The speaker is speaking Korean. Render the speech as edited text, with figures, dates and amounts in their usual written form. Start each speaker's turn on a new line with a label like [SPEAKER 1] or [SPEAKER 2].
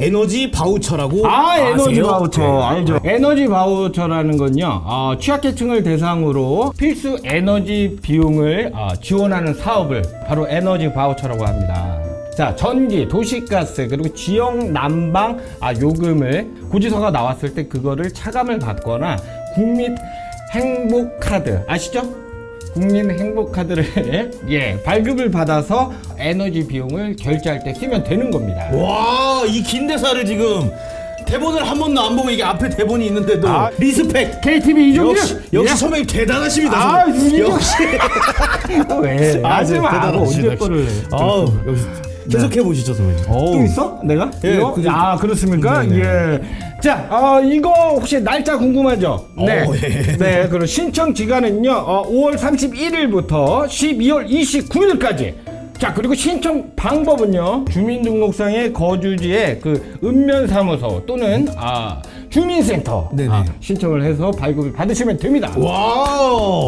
[SPEAKER 1] 에너지 바우처라고
[SPEAKER 2] 에너지
[SPEAKER 1] 아세요?
[SPEAKER 2] 바우처
[SPEAKER 1] 네.
[SPEAKER 2] 알죠? 에너지 바우처라는 건요, 취약계층을 대상으로 필수 에너지 비용을 지원하는 사업을 바로 에너지 바우처라고 합니다. 자, 전기, 도시가스, 그리고 지역 난방 요금을 고지서가 나왔을 때 그거를 차감을 받거나 국민 행복카드 아시죠? 국민 행복카드를 발급을 받아서 에너지 비용을 결제할 때 쓰면 되는 겁니다.
[SPEAKER 1] 와, 이 긴 대사를 지금 대본을 한 번도 안 보고 이게 앞에 대본이 있는데도 리스펙.
[SPEAKER 2] KTV 이종규
[SPEAKER 1] 역시 선배님 대단하십니다. 선배님. 역시
[SPEAKER 2] 왜?
[SPEAKER 1] 아주
[SPEAKER 2] 대단하시다. 언제 거를?
[SPEAKER 1] 역시 계속해 보시죠, 선배님.
[SPEAKER 2] 또 있어? 내가?
[SPEAKER 1] 예,
[SPEAKER 2] 이거? 그렇습니까?
[SPEAKER 1] 네.
[SPEAKER 2] 예. 자, 이거 혹시 날짜 궁금하죠? 네.
[SPEAKER 1] 예.
[SPEAKER 2] 네, 그럼 신청 기간은요, 5월 31일부터 12월 29일까지. 자, 그리고 신청 방법은요, 주민등록상의 거주지의 그 읍면사무소 또는 주민센터
[SPEAKER 1] 네네.
[SPEAKER 2] 신청을 해서 발급을 받으시면 됩니다.
[SPEAKER 1] 와우.